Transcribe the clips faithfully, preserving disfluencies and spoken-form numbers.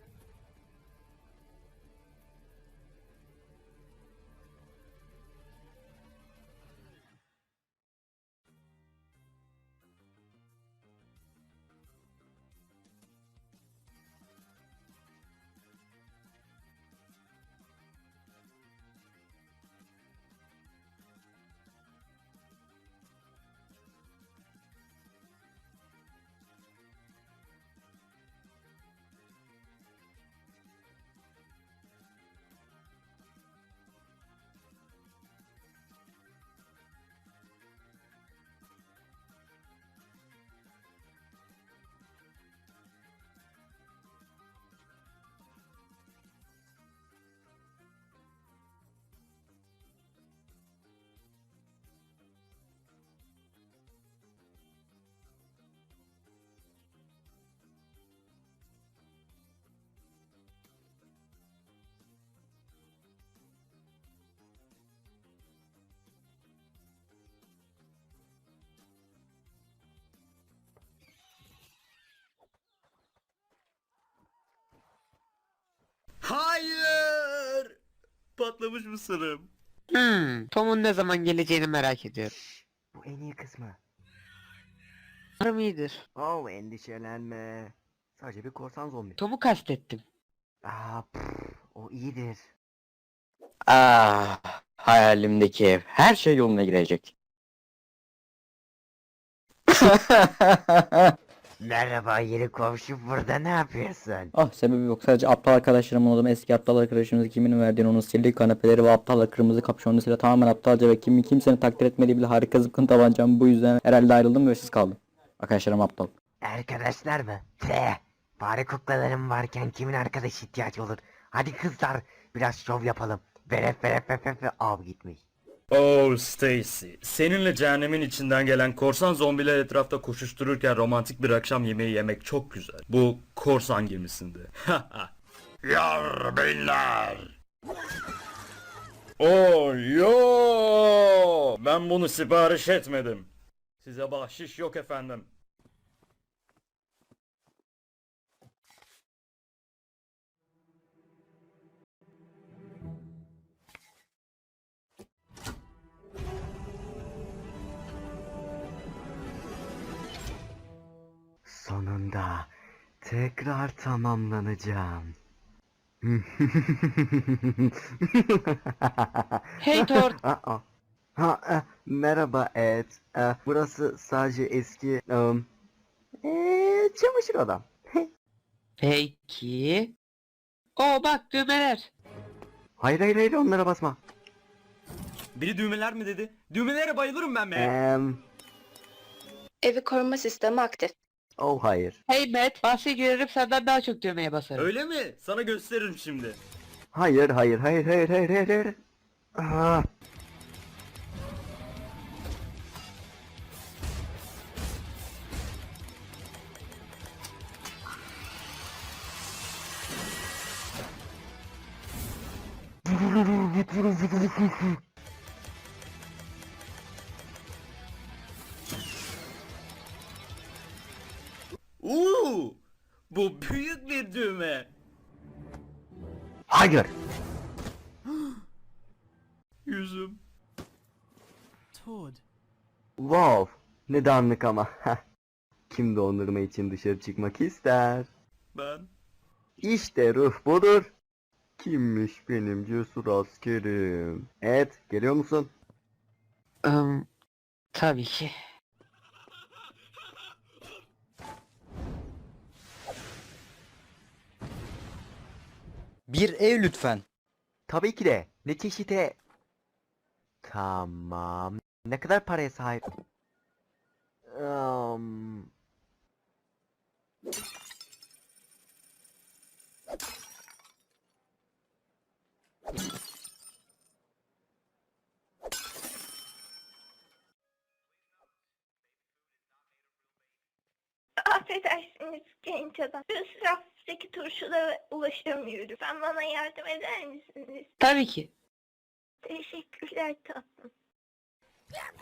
Hayır! Patlamış mısırım. Hmm, Tom'un ne zaman geleceğini merak ediyorum. Bu en iyi kısmı. Umarım iyidir. Oh, endişelenme. Sadece bir korsan zombi. Tom'u kastettim. Aa, pff, o iyidir. Ah, hayalimdeki ev. Her şey yoluna girecek. Merhaba yeni komşu, burada ne yapıyorsun? Ah, sebebi yok. Sadece aptal arkadaşlarımın odamı, eski aptal arkadaşımız kimin verdiğini, onun sirli kanepeleri ve aptal kırmızı kapşonlu silah tamamen aptalca ve kimi kimsenin takdir etmediği bile harika zıpkın tabancam. Bu yüzden herhalde ayrıldım ve siz kaldım. Arkadaşlarım aptal. Arkadaşlar mı? Teh, fare kuklalarım varken kimin arkadaş ihtiyaç olur? Hadi kızlar, biraz şov yapalım. Veref veref veref veref av gitmiş. Oh Stacy, seninle cehennemin içinden gelen korsan zombiler etrafta koşuştururken romantik bir akşam yemeği yemek çok güzel. Bu korsan gemisinde. Yar beyler. Oh yo, ben bunu sipariş etmedim. Size bahşiş yok efendim. Sonunda tekrar tamamlanacağım. Hey Thor. Aa. Ha, e, merhaba Ed. E, burası sadece eski um, e, çamaşır odam. Peki. Oo bak düğmeler. Hayır hayır hayır, onlara basma. Biri düğmeler mi dedi? Düğmelere bayılırım ben be. Em, Evi koruma sistemi aktif. oh hayır. Hey Matt, bahse girerim senden daha çok düğmeye basarım. Öyle mi? Sana gösteririm şimdi. Hayır hayır hayır hayır hayır hayır hayır. Aa. Uuu, bu büyük bir düğme. Hayır. Yüzüm. Wow. Ne dağınık ama. Kim dondurma için dışarı çıkmak ister? Ben. İşte ruh budur. Kimmiş benim cesur askerim? Ed, geliyor musun? Um, tabii ki. Bir ev lütfen. Tabii ki de. Ne çeşite? Tamam. Ne kadar paraya sahip? Um... Affedersiniz genç adam. Üst raftaki turşulara ulaşamıyorum. Sen bana yardım eder misiniz? Tabii ki. Teşekkürler tatlım.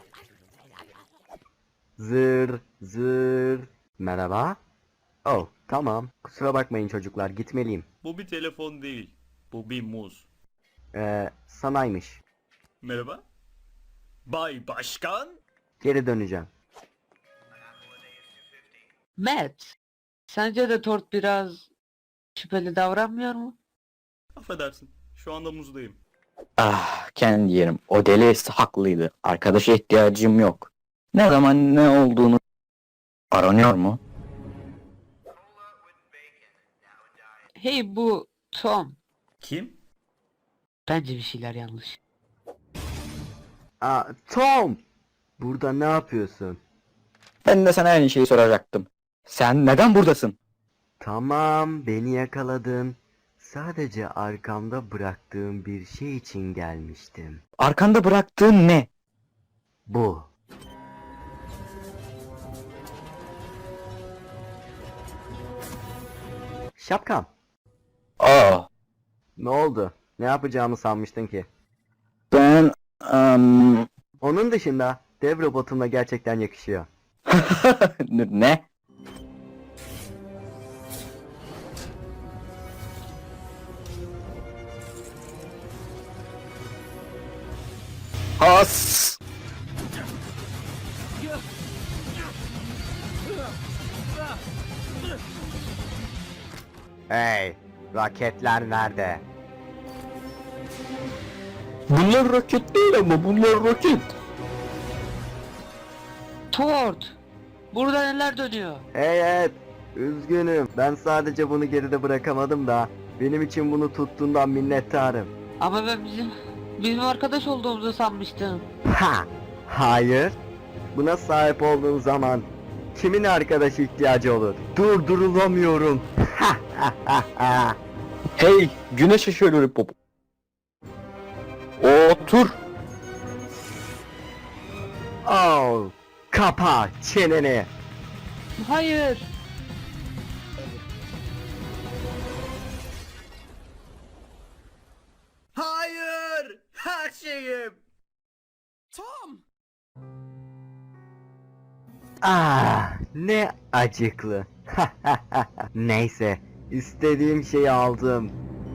Zır zır. Merhaba. Oh, Tamam. Kusura bakmayın çocuklar. Gitmeliyim. Bu bir telefon değil. Bu bir muz. Ee, sanaymış. Merhaba. Bay Başkan. Geri döneceğim. Matt, sence de Tort biraz şüpheli davranmıyor mu? Affedersin. Şu anda muzdayım. Ah kendi yerim. O deli haklıydı. Arkadaşa ihtiyacım yok. Ne zaman ne olduğunu aranıyor mu? Hey bu Tom. Kim? Bence bir şeyler yanlış. Aa, Tom! Burada ne yapıyorsun? Ben de sana aynı şeyi soracaktım. Sen neden buradasın? Tamam, beni yakaladın. Sadece arkamda bıraktığım bir şey için gelmiştim. Arkanda bıraktığın ne? Bu. Şapkam. Aa, Ne oldu? Ne yapacağımı sanmıştın ki? ben... am, Onun dışında dev robotumla gerçekten yakışıyor. ne? Has. Hey, raketler nerede? Bunlar roket değil ama bunlar roket. Tort! Burada neler dönüyor? Hey evet, üzgünüm. Ben sadece bunu geride bırakamadım da benim için bunu tuttuğundan minnettarım. Ama ben bizim bizim arkadaş olduğumuzu sanmıştım. Ha, hayır. Buna sahip olduğum zaman kimin arkadaş ihtiyacı olur? Durdurulamıyorum. Ha ha ha ha. Hey, güneş ışığı lollipop. Otur. Oh, kapa çeneni. Hayır! Hayır! Her şeyim! Ah, ne acıklı. Neyse, istediğim şeyi aldım.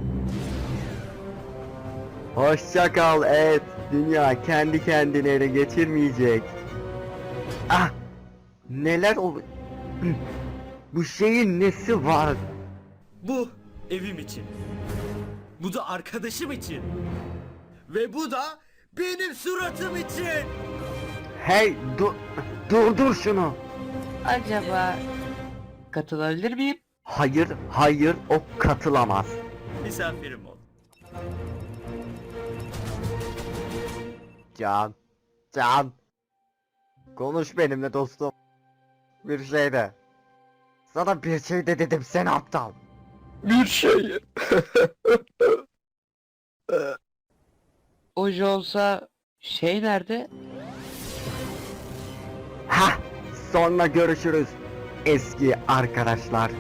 Hoşça kal Ed. Dünya kendi kendini ele geçirmeyecek. Ah, neler oluyor? Bu şeyin nesi var? Bu evim için. Bu da arkadaşım için. Ve bu da benim suratım için. Hey, dur, durdur şunu. Acaba katılabilir miyim? Hayır, hayır, o katılamaz. Misafirim ol. Can, Can. Konuş benimle dostum. Bir şey de. Sana bir şey de dedim, sen aptal. Bir şey. Oje olsa şey nerede? Ha, sonra görüşürüz eski arkadaşlar.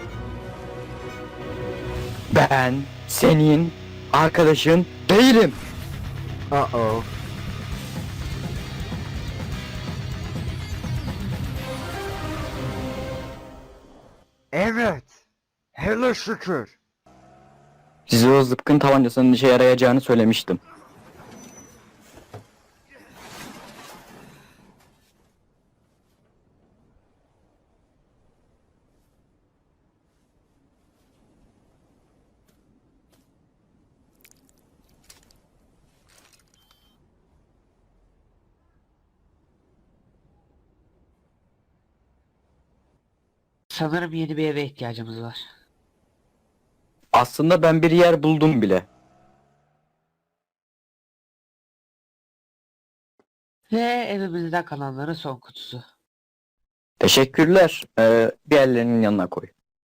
Ben senin arkadaşın değilim. Uh oh. Evet. Hele şükür. Size o zıpkın tabancasının işe yarayacağını söylemiştim. Sanırım yeni bir eve ihtiyacımız var. Aslında ben bir yer buldum bile. Ve evimizde kalanların son kutusu. Teşekkürler. Ee, bir ellerinin yanına koy.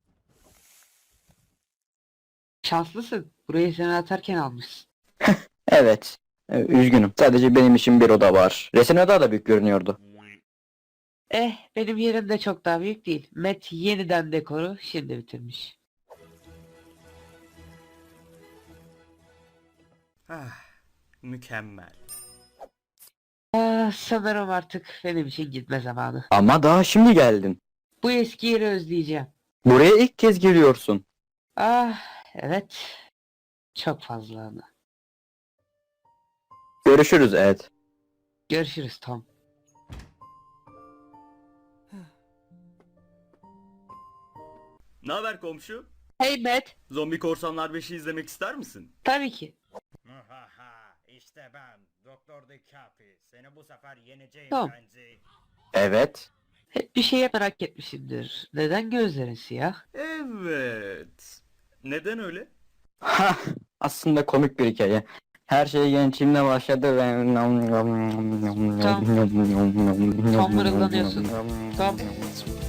Şanslısın. Burayı sen atarken almışsın. Evet. Ee, üzgünüm. Sadece benim için bir oda var. Resim oda da büyük görünüyordu. Eh, benim yerim de çok daha büyük değil. Matt yeniden dekoru şimdi bitirmiş. Ah, mükemmel. Ah, sanırım artık benim için gitme zamanı. Ama daha şimdi geldin. Bu eski yeri özleyeceğim. Buraya ilk kez geliyorsun. Ah evet. Çok fazla ama. Görüşürüz Ed. Görüşürüz Tom. Ne haber komşu? Hey Matt. Zombi Korsanlar beşi izlemek ister misin? Tabii ki. işte ben Doktor DiCaprio. Seni bu sefer yeneceğim Tamam. Renzi. Evet. Hep bir şeye merak etmişimdir. Neden gözlerin siyah? Evet. Neden öyle? Ha, aslında komik bir hikaye. Her şey gençliğimle başladı ve... Tam mırıldanıyorsun. Tam